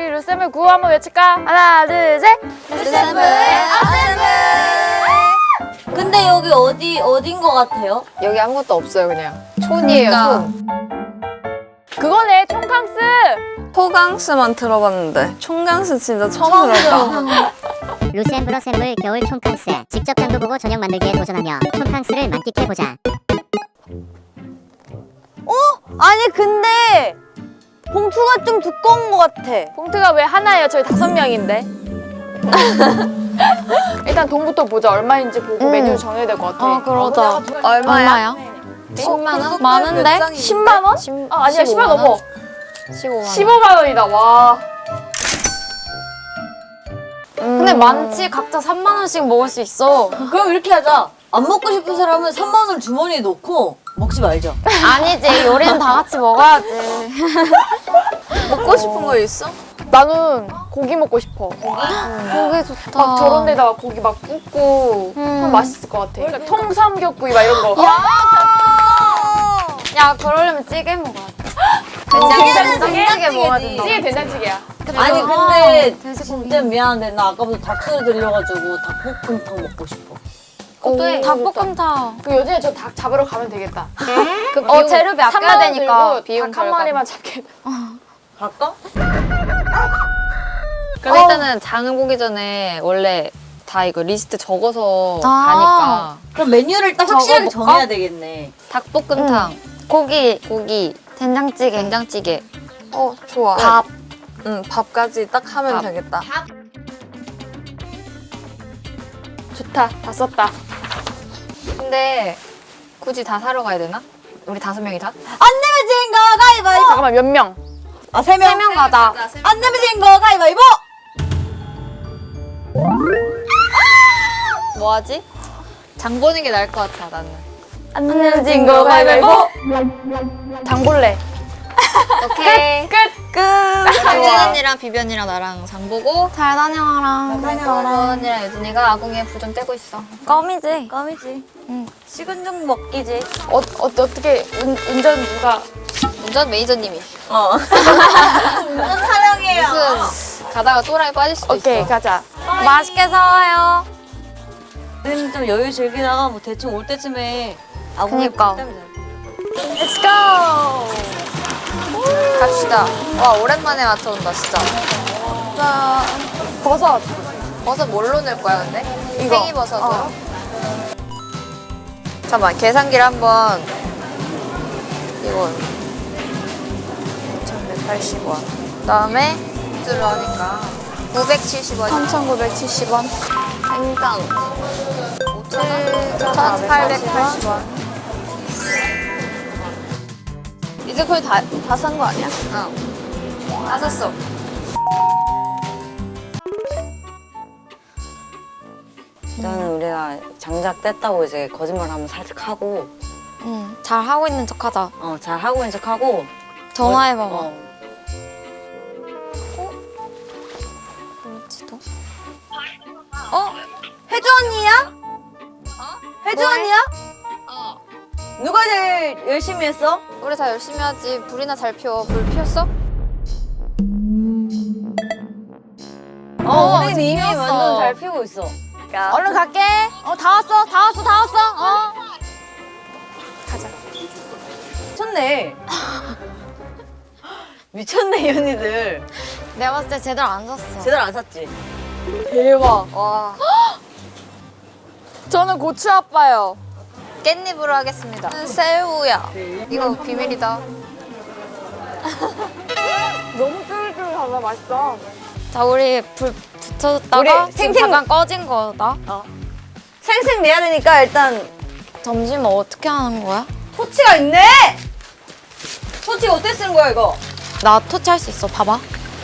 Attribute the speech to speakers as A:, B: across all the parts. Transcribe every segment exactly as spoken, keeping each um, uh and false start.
A: 우리 루셈블 구호 한번 외칠까? 하나, 둘, 셋!
B: 루셈블 어셈블. 근데 여기 어디 어딘 것 같아요?
A: 여기 아무것도 없어요, 그냥. 촌이에요, 촌. 그거네, 총캉스!
C: 토강스만 들어봤는데 총강스 진짜 처음 들어봐.
D: 루셈블 어셈블 겨울 촌캉스. 직접 장도 보고 저녁 만들기에 도전하며 촌캉스를 만끽해보자.
B: 어? 아니 근데 봉투가 좀 두꺼운 것 같아.
A: 봉투가 왜 하나예요? 저희 다섯 명인데. 일단 돈부터 보자. 얼마인지 보고
B: 음.
A: 메뉴 정해야 될 것 같아.
C: 아 그러자.
A: 얼마야?
C: 십만 원?
A: 많은데? 십만 원? 아, 아니야, 십만 원 넘어.
C: 십오만 원.
A: 십오만 원이다, 와.
C: 근데 많지. 각자 삼만 원씩 먹을 수 있어.
B: 그럼 이렇게 하자. 안 먹고 싶은 사람은 삼만 원 주머니에 넣고 먹지 말자.
C: 아니지. 요리는 다 같이 먹어야지. 먹고 싶은 거 있어?
A: 나는 고기 먹고 싶어.
C: 고기 좋다.
A: 막 저런 데다가 고기 막 굽고 하면 맛있을 것 같아. 그러니까 통삼겹구이 막 이런 거.
C: 야! 야, 그러려면 찌개 먹어야 돼.
B: 찌개는
C: 된장찌개 먹어야
B: 된장찌개지.
C: 된다.
A: 찌개 된장찌개야.
B: 아니
C: 아,
B: 근데
C: 돼지고기.
B: 진짜 미안한데 나 아까부터 닭소리 들려가지고 닭볶음탕 먹고 싶어.
C: 오, 닭볶음탕.
A: 그 요즘에 저 닭 잡으러 가면 되겠다.
C: 그 어, 재료비 아껴야 되니까 비용
A: 닭 한
C: 절감.
A: 마리만 잡게.
B: 갈까?
E: 그럼 일단은 장을 보기 전에 원래 다 이거 리스트 적어서
C: 아.
E: 가니까
B: 그럼 메뉴를 딱 확실하게
C: 적어볼까?
B: 정해야 되겠네.
E: 닭볶음탕,
C: 고기,
E: 고기,
C: 된장찌개.
E: 된장찌개,
C: 어, 좋아.
E: 밥.
C: 응, 밥까지 딱 하면
E: 밥.
C: 되겠다.
A: 좋다. 다 썼다.
E: 근데 굳이 다 사러 가야 되나? 우리 다섯 명이다?
B: 안 내면 진 거 가위바위보.
A: 잠깐만, 몇 명?
B: 아, 세 명?
C: 세 명 가자.
B: 안 내면 진 거 가위바위보.
E: 뭐 하지? 장 보는 게 나을 것 같아 나는.
A: 안 내면 진 거 가위바위보. 장볼래.
E: 오케이.
A: 끝!
C: 끝.
E: 정진 언니랑 비비 언니랑 나랑 장 보고
C: 잘 다녀와라.
E: 다녀와라. 언니랑 유진이가 아궁이에 불 좀 떼고 있어.
C: 껌이지?
B: 껌이지. 응. 식은 죽 먹기지.
A: 어, 어, 어떻게 운, 운전 누가.
E: 운전 매니저님이.
B: 어. 운전 사령이에요.
E: 무슨 가다가 또라이 빠질 수도
A: 오케이,
E: 있어.
A: 가자.
C: 맛있게 사와요.
B: 우리는 좀 여유 즐기다가 뭐 대충 올 때쯤에 아궁이
C: 그니까.
A: Let's go!
E: 갑시다. 와 오랜만에 맞춰온다 진짜.
A: 버섯.
E: 버섯 뭘로 넣을 거야 근데?
A: 이거.
E: 팽이버섯으로?
A: 어.
E: 잠깐만 계산기를 한번. 이거 오천백팔십 원. 그다음에 를 하니까 구백칠십 원.
A: 삼천구백칠십 원.
E: 생강 오천팔백팔십 원.
C: 이제 거의 다, 다 산 거 아니야?
E: 응. 다 샀어.
B: 일단은 우리가 장작 뗐다고 이제 거짓말하면 살짝 하고,
C: 응. 잘 하고 있는 척 하자.
B: 어, 잘 하고 있는 척 하고.
C: 전화해봐봐.
B: 어.
C: 그렇지도.
B: 어? 혜주 언니야? 어? 혜주 언니야?
E: 어.
B: 누가 제일 열심히 했어?
E: 우리 다 열심히 하지. 불이나 잘 피워. 불 피웠어?
B: 어, 우린 이미
E: 피웠어.
B: 완전 잘 피우고 있어.
A: 얼른 갈게.
C: 어, 다 왔어. 다 왔어. 다 왔어. 어.
B: 미쳤네. 미쳤네, 이 언니들.
C: 내가 봤을 때 제대로 안 샀어.
B: 제대로 안 샀지?
A: 대박.
E: 와.
A: 저는 고추 아빠요.
E: 깻잎으로 하겠습니다.
C: 새우야.
E: 이거 비밀이다.
A: 너무 쫄깃쫄깃하다. 맛있어.
C: 자, 우리 불 붙여줬다가
B: 우리
C: 지금
B: 생생-
C: 잠깐 꺼진 거다.
B: 생생 내야 되니까 일단
C: 점심은 어떻게 하는 거야?
B: 토치가 있네! 토치 어떻게 쓰는 거야, 이거?
C: 나 토치할 수 있어. 봐봐.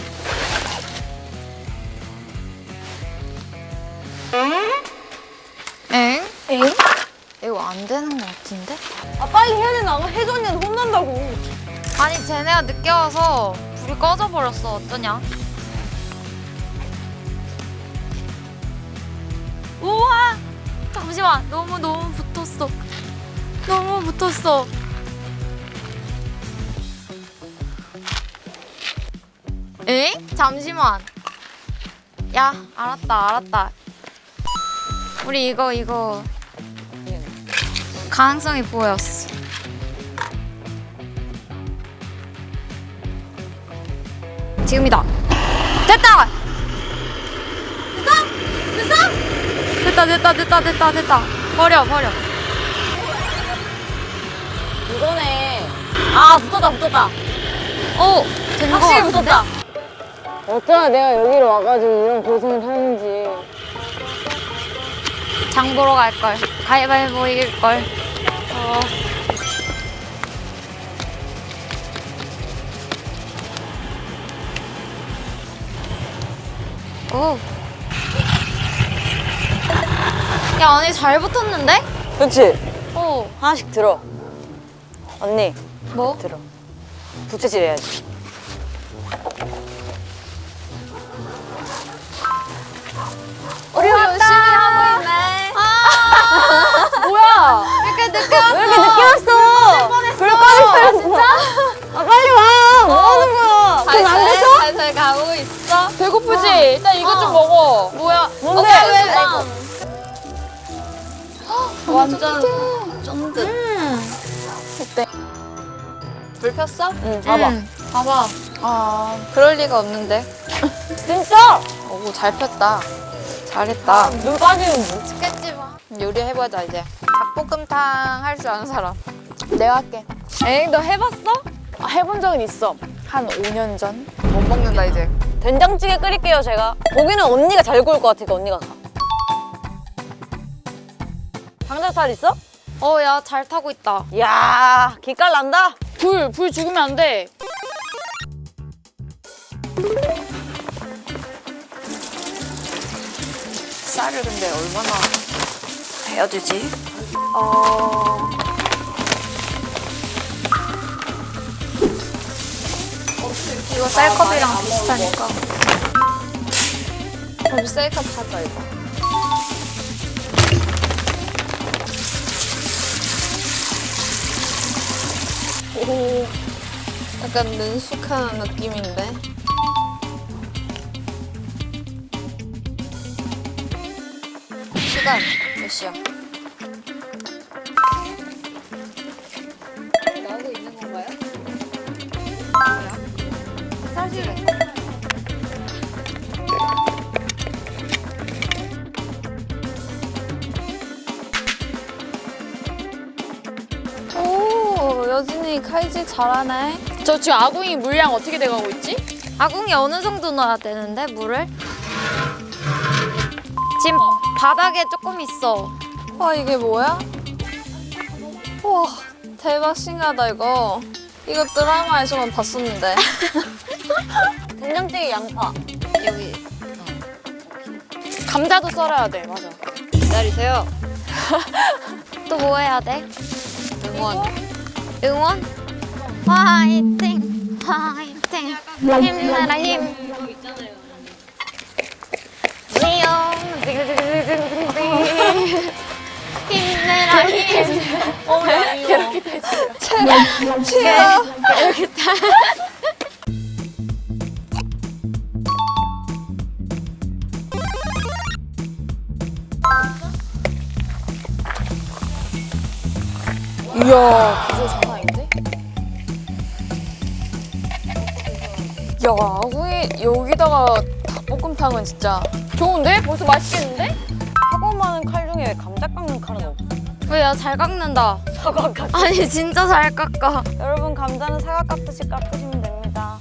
C: 엥?
B: 엥?
C: 이거 안 되는 거 같은데?
B: 아, 빨리 해야 되나? 혜주 언니는 혼난다고.
C: 아니, 쟤네가 늦게 와서 불이 꺼져버렸어. 어떠냐? 우와! 잠시만. 너무 너무 붙었어. 너무 붙었어. 에? 잠시만. 야, 알았다, 알았다. 우리 이거 이거 가능성이 보였어. 지금이다. 됐다. 됐어? 됐어? 됐다, 됐다, 됐다, 됐다, 됐다. 버려, 버려.
B: 이거네. 아 붙었다 붙었다.
C: 오, 된 거
B: 확실히
C: 같은데?
B: 붙었다. 어쩌나 내가 여기로 와가지고 이런 고생을 하는지.
C: 장 보러 갈 걸. 가위바위보 이길 걸. 어. 오. 야, 언니 잘 붙었는데?
B: 그렇지.
C: 어.
B: 하나씩 들어. 언니
C: 뭐?
B: 들어. 부채질 해야지.
C: 우리 열심히 하고 있네.
A: 뭐야?
C: 이렇게 늦게 왔어.
B: 왜 이렇게 늦게 왔어? 불 꺼졌어. 진짜? 아 빨리 와. 뭐 하는 거야? 그건 안 됐어?
C: 살살 가고 있어.
A: 배고프지? 일단 이거 좀 먹어.
C: 뭐야?
B: 뭔데?
C: 어, 왜,
B: 왜,
C: 완전 쫀득.
A: 어때?
C: 불 폈어?
B: 응 봐봐.
C: 응, 봐봐.
A: 아,
C: 그럴 리가 없는데.
B: 진짜?
C: 오, 잘 폈다. 잘했다.
B: 눈 빠지는 뭐?
C: 죽겠지 마. 요리 해보자 이제. 닭볶음탕 할 줄 아는 사람.
A: 내가 할게.
C: 에이, 너 해봤어?
A: 아, 해본 적은 있어. 한 오 년 전?
C: 못 먹는다 이제.
B: 된장찌개 끓일게요 제가. 고기는 언니가 잘 구울 것 같으니까 언니가 가. 장작살 있어?
C: 어, 야, 잘 타고 있다.
B: 이야 기깔 난다.
A: 불, 불 죽으면 안 돼.
C: 쌀을 근데 얼마나 해야 되지?
A: 어...
C: 이거 쌀컵이랑 비슷하니까. 그럼 쌀컵 사자 이거. 오, 약간 능숙한 느낌인데. 시간 몇 시야? 나오고 있는 건가요? 뭐야? 사실은. 오, 여진이 칼질 잘하네.
A: 저 지금 아궁이 물량 어떻게 돼가고 있지?
C: 아궁이 어느 정도 넣어야 되는데 물을? 지금 바닥에 조금 있어. 와, 이게 뭐야? 와, 대박 신기하다 이거. 이거 드라마에서만 봤었는데.
B: 된장찌개 양파.
C: 여기
A: 감자도 썰어야 돼, 맞아.
C: 기다리세요. 또 뭐 해야 돼? 응원. 응원? 화이팅! 화이팅! 힘내라 힘! 리옹! 힘내라 힘!
A: 이렇게 되지.
C: 치아!
A: 이야, 구조 장난 아닌데? 야, 아궁이 여기다가 닭볶음탕은 진짜 좋은데? 벌써 맛있겠는데?
B: 하고 많은 칼 중에 왜 감자 깎는 칼은 없어?
C: 왜야, 잘 깎는다.
B: 사과 깎.
C: 아니, 진짜 잘 깎아.
B: 여러분 감자는 사과 깎듯이 깎으시면 됩니다.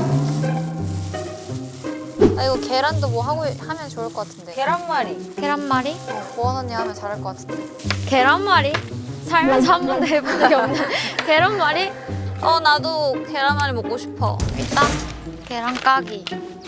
C: 아, 이거 계란도 뭐 하고 하면 좋을 것 같은데.
B: 계란말이.
C: 계란말이? 어, 보원 언니 하면 잘할 것 같은데. 계란말이? 살면서 한 번도 해본 적이 없는 계란말이? 어, 나도 계란말이 먹고 싶어. 일단 계란 까기.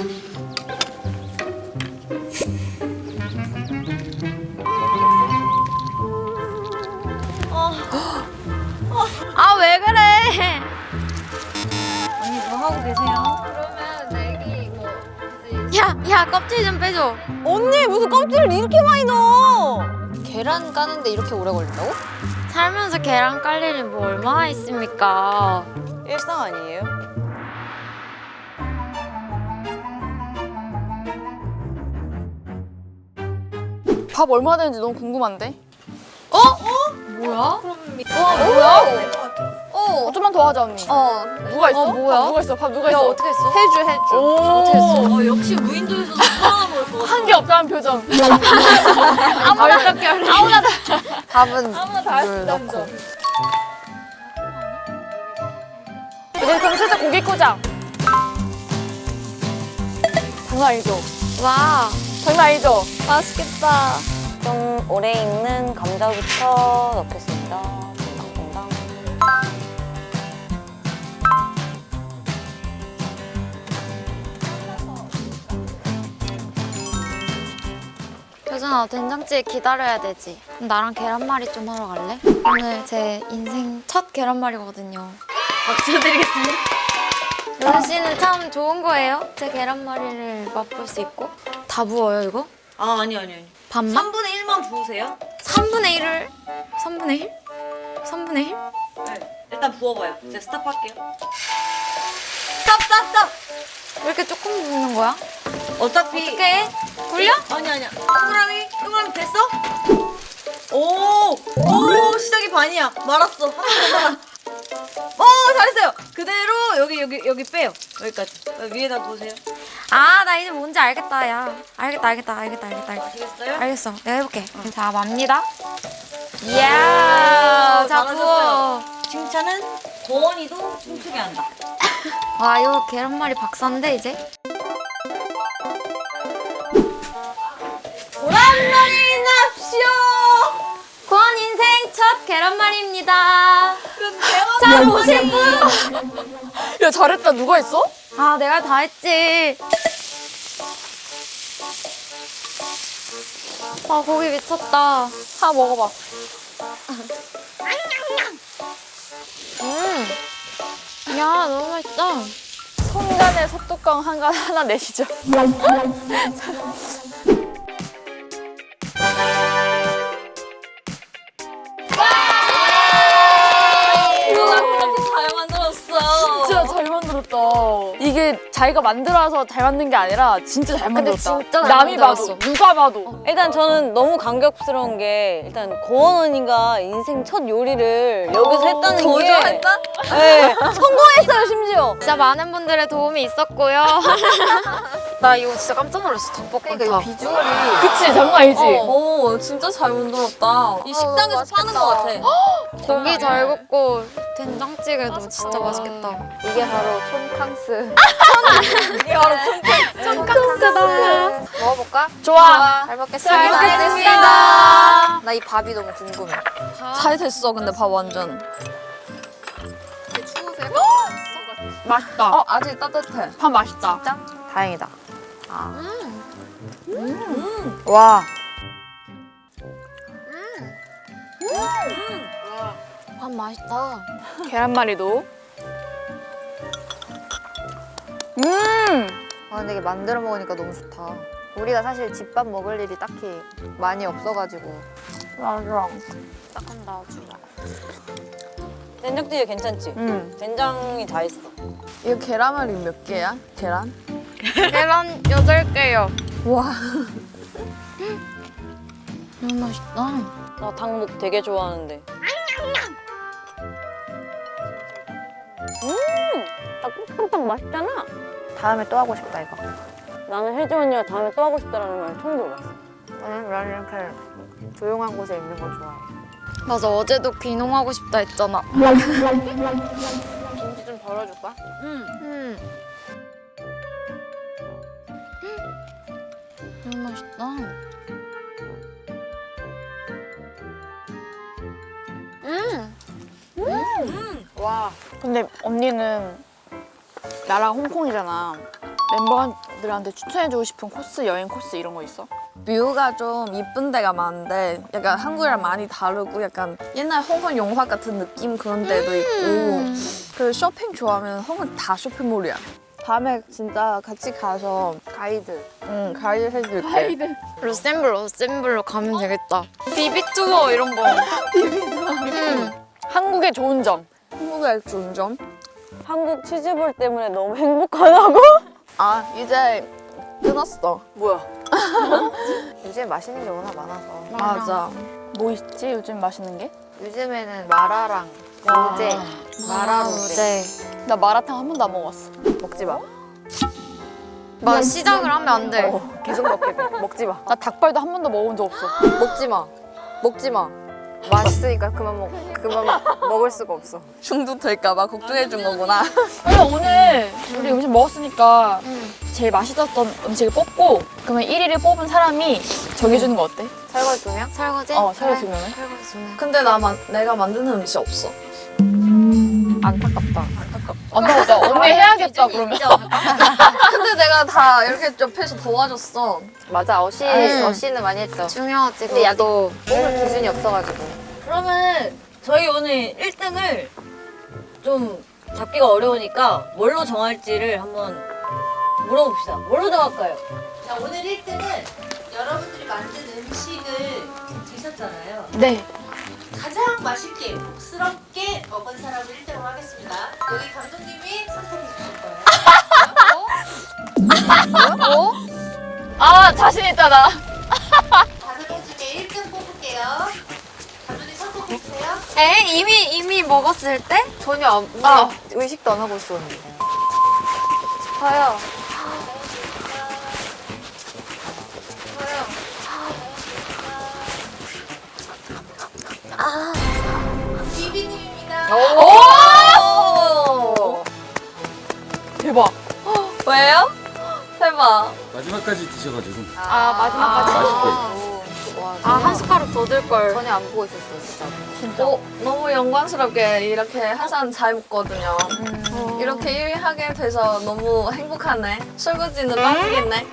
C: 아, 왜 그래? 언니 뭐 하고 계세요? 그러면 내기 뭐 야, 야, 껍질 좀 빼줘.
B: 언니 무슨 껍질을 이렇게 많이 넣어?
C: 계란 까는데 이렇게 오래 걸린다고? 살면서 계란 깔 일이 뭐 얼마나 있습니까?
B: 일상 아니에요?
A: 밥 얼마 되는지 너무 궁금한데?
C: 뭐야?
A: 와 뭐야?
C: 어.
A: 어, 좀만 더 하자 언니.
C: 어.
A: 누가 있어?
C: 어, 뭐야?
A: 밥 누가 있어? 밥 누가
C: 야,
A: 있어?
C: 어떻게 했어?
A: 해주 해주.
C: 오.
A: 어떻게 했어?
F: 어, 역시 무인도에서도 살아남을 것 같아.
A: 한 게 없다는 표정.
C: 아무나 어떻게 할래? 아무나 다.
E: 밥은
A: 아무나 다 할 수
E: 물
A: 있다는
E: 넣고.
A: 점. 이제 그럼 슬슬 고기 꽂아. 장난 아니죠?
C: 와.
A: 장난 아니죠?
C: 맛있겠다.
B: 좀 오래 익는 감자부터 넣겠습니다. 퐁당퐁당.
C: 효준아, 된장찌개 기다려야 되지. 그럼 나랑 계란말이 좀 하러 갈래? 오늘 제 인생 첫 계란말이거든요.
F: 박수 드리겠습니다.
C: 효준 씨는 참 좋은 거예요. 제 계란말이를 맛볼 수 있고. 다 부어요, 이거?
F: 아, 아니, 아니, 아니.
C: 반만?
F: 삼분의 일만 부으세요.
C: 삼분의 일을 삼분의 일? 삼분의 일?
F: 네. 일단 부어봐요. 제가 스탑할게요. 스탑, 스탑, 스탑!
C: 왜 이렇게 조금 붓는 거야?
F: 어차피.
C: 어떻게 해? 굴려?
F: 아니, 아니야. 동그라미? 동그라미 됐어? 오! 오! 시작이 반이야. 말았어. 하나 더 말아. 오! 잘했어요. 그대로 여기, 여기, 여기 빼요. 여기까지. 위에다 놓으세요.
C: 아, 나 이제 뭔지 알겠다, 야. 알겠다, 알겠다, 알겠다, 알겠다. 알겠다.
F: 아시겠어요?
C: 알겠어. 내가 해볼게. 자, 맙니다. 이야, 자, 부어.
F: 잘하셨어요. 칭찬은 도원이도 춤추게 한다.
C: 와, 이거 계란말이 박사인데, 이제?
F: 보란말이 납시오!
C: 고원 인생 첫 계란말이입니다.
F: 자, 보실 분!
A: 야 잘했다. 누가 했어?
C: 아, 내가 다 했지. 아, 고기 미쳤다.
A: 하나 먹어봐.
C: 음. 야, 너무 맛있다.
A: 손간에 솥뚜껑 한간 하나 내시죠.
F: 누가 그렇게 잘 만들었어.
A: 진짜 잘 만들었다. 이게 자기가 만들어서 잘 만든 게 아니라 진짜 잘
C: 근데
A: 만들었다.
C: 진짜 잘
A: 남이
C: 만들었어.
A: 봐도 누가 봐도.
B: 일단 저는 너무 감격스러운 게 일단 고원 언니가 인생 첫 요리를 여기서 했다는 게
F: 도전했다?
B: 네, 성공했어요 심지어.
C: 진짜 많은 분들의 도움이 있었고요. 나 이거 진짜 깜짝 놀랐어, 닭볶음탕.
E: 그러니까 이 비주얼이
A: 그치 장난 아니지.
F: 오, 진짜 잘 만들었다. 이 식당에서 파는 것 같아.
C: 고기 잘 굽고 된장찌개도 진짜 맛있겠다.
E: 이게 바로 촌캉스.
F: 이게 바로
C: 콩스다.
E: 먹어볼까?
A: 좋아.
E: 잘 먹겠습니다.
C: 잘 먹겠습니다.
E: 나 이 밥이 너무 궁금해.
F: 잘 됐어, 근데 밥 완전.
A: 맛있다.
F: 어, 아직 따뜻해.
A: 밥 맛있다.
E: 진짜? 다행이다. 아. 와.
C: 밥 맛있다.
A: 계란말이도. 음.
E: 아, 근데 이게 만들어 먹으니까 너무 좋다. 우리가 사실 집밥 먹을 일이 딱히 많이 없어가지고.
A: 맞아.
C: 딱 넣어주자.
B: 된장찌개 괜찮지?
A: 음.
B: 된장이 다 있어.
A: 이거 계란말이 몇 개야? 계란?
C: 계란 여덟 개요.
A: 와.
C: 너무 맛있다.
B: 나 닭목 되게 좋아하는데. 음, 닭볶음탕 맛있잖아.
E: 다음에 또 하고 싶다, 이거.
B: 나는 혜지 언니가 다음에 또 하고 싶다라는 말 처음 들어봤어.
E: 나는, 나는 이렇게 조용한 곳에 있는 거 좋아해.
C: 맞아, 어제도 귀농하고 싶다 했잖아.
A: 김치 좀 덜어줄까?
C: 음. 너무 맛있다. 음.
A: 와. 근데 언니는 나랑 홍콩이잖아. 멤버들한테 추천해주고 싶은 코스, 여행 코스 이런 거 있어?
G: 뷰가 좀 이쁜 데가 많은데 약간 한국이랑 많이 다르고 약간 옛날 홍콩 영화 같은 느낌 그런 데도 있고 그 쇼핑 좋아하면 홍콩 다 쇼핑몰이야. 다음에 진짜 같이 가서
E: 가이드.
G: 응 가이드 해줄게.
C: 러셈블 러셈블로 가면 되겠다. 비비 투어 이런 거. 비비 투어. 음.
A: 한국의 좋은 점.
G: 한국의 좋은 점?
B: 한국 치즈볼 때문에 너무 행복하다고?
G: 아 이제 끊었어.
A: 뭐야?
E: 요즘 맛있는 게 워낙 많아서.
G: 맞아.
A: 뭐 있지 요즘 맛있는 게?
E: 요즘에는 마라랑 로제, 마라 로제
A: 나 마라탕 한 번도 안 먹어봤어.
E: 먹지 마.
C: 막 시작을 하면 안 돼.
E: 계속 먹게 돼. 먹지 마.
A: 나 닭발도 한 번도 먹은 적 없어.
E: 먹지 마. 먹지 마. 맛있으니까 그만 먹 그만 먹을 수가 없어.
G: 중독될까봐 걱정해 준 거구나.
A: 그래 오늘 우리 음식 먹었으니까 제일 맛있었던 음식을 뽑고 그러면 일 위를 뽑은 사람이 정해주는 거 어때?
E: 설거지 두 명?
C: 설거지?
A: 어 설거지 두 명을?
C: 설거지 두 명.
G: 근데 나 만, 내가 만드는 음식 없어.
E: 안타깝다.
A: 안 나 언니 해야겠다 그러면.
G: 근데 내가 다 이렇게 옆에서 도와줬어.
E: 맞아. 어시
C: 음.
E: 어시는 많이 했죠.
C: 중요하지.
E: 근데 야도 뽑을 기준이 없어가지고.
F: 그러면 저희 오늘 일 등을 좀 잡기가 어려우니까 뭘로 정할지를 한번 물어봅시다. 뭘로 정할까요?
H: 자, 오늘 일 등은 여러분들이 만든 음식을 드셨잖아요.
A: 네.
H: 가장 맛있게, 복스럽게 먹은 사람을 일 등으로 하겠습니다. 여기 감독님이 선택해 주실 거예요.
A: 아 자신 있다 나.
H: 다섯 개 중에 일 등 뽑을게요. 감독님 선택해 주세요.
C: 에? 이미 이미 먹었을 때?
E: 전혀 안, 우리
A: 아.
E: 의식도 안 하고 있었는데. 저요.
H: 비비님입니다.
E: 오!
A: 대박.
G: 왜요? 해봐.
I: 마지막까지 드셔가지고
A: 아 마지막까지.
I: 맛있게.
E: 와,
C: 아 한 숟가락 더 들 걸.
E: 전혀 안 보고 있었어, 진짜.
G: 어, 너무 영광스럽게 이렇게 항상 잘 먹거든요. 이렇게 일 위 하게 돼서 너무 행복하네. 설거지는 빠지겠네.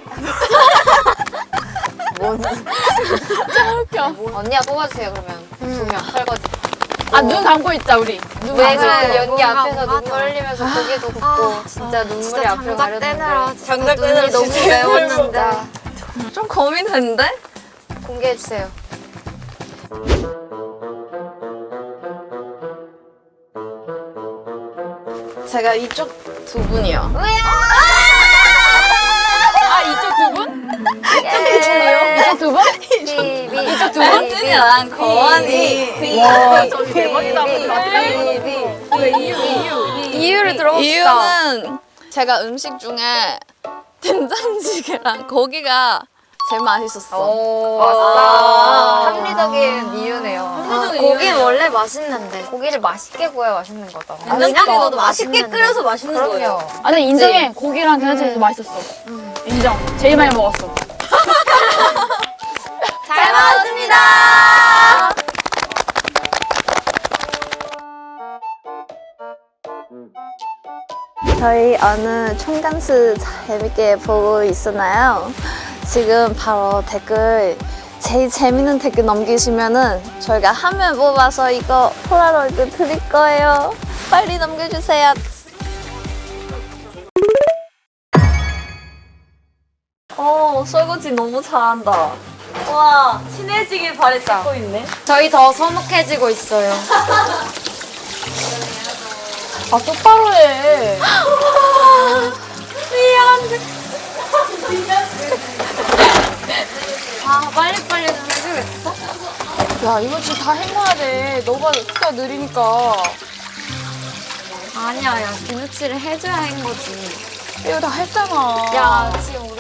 E: 뭔?
A: 웃겨.
E: 언니가 뽑아주세요, 그러면. 두 명, 설거지.
A: 아 눈 감고 있자 우리. 눈
E: 왜
A: 감고
E: 그
A: 있고.
E: 연기 앞에서
C: 맞아.
E: 눈물 흘리면서 고개도 굽고
C: 아,
E: 진짜 눈물이
C: 진짜
E: 앞을
C: 장작 떼느라
E: 가렸는데
C: 진짜
F: 장작
C: 눈이
F: 떼느라
C: 너무
F: 진짜
C: 매웠는데.
G: 좀 고민했는데?
E: 공개해주세요.
G: 제가 이쪽 두 분이요.
A: 아 이쪽 두 분? 이쪽 두 분?
E: 비비 이쪽 두
G: 혜진이랑 거원이.
A: 와 저기 대박이다.
C: 이유를 들어봅시다.
G: 이유는 제가 음식 중에 된장찌개랑 고기가 제일 맛있었어.
E: 오, 왔어. 합리적인 이유네요.
C: 아, 고기는 원래 맛있는데.
E: 고기를 맛있게 구워야 맛있는 거다.
F: 된장찌개 너도 맛있게
C: 맛있는데.
F: 끓여서 맛있는 거예요.
E: 그럼요.
A: 아니 인정해. 고기랑 계란찜이 맛있었어. 인정. 제일 많이 먹었어.
C: 잘 먹었습니다.
G: 저희 오늘 촌간스 재밌게 보고 있었나요? 지금 바로 댓글 제일 재밌는 댓글 남기시면은 저희가 화면 뽑아서 이거 폴라로이드 드릴 거예요. 빨리 남겨주세요. 어, 설거지 너무 잘한다.
F: 와, 친해지길 바랬다. 찍고 있네.
C: 저희 더 서먹해지고 있어요.
A: 아 똑바로 해.
C: 아 빨리빨리 좀 해주겠어?
A: 야 이거 지금 다 해놔야 돼. 너가 속도가 느리니까.
C: 아니야 야 김치를 해줘야 한 거지.
A: 이거 다 했잖아.
C: 야 지금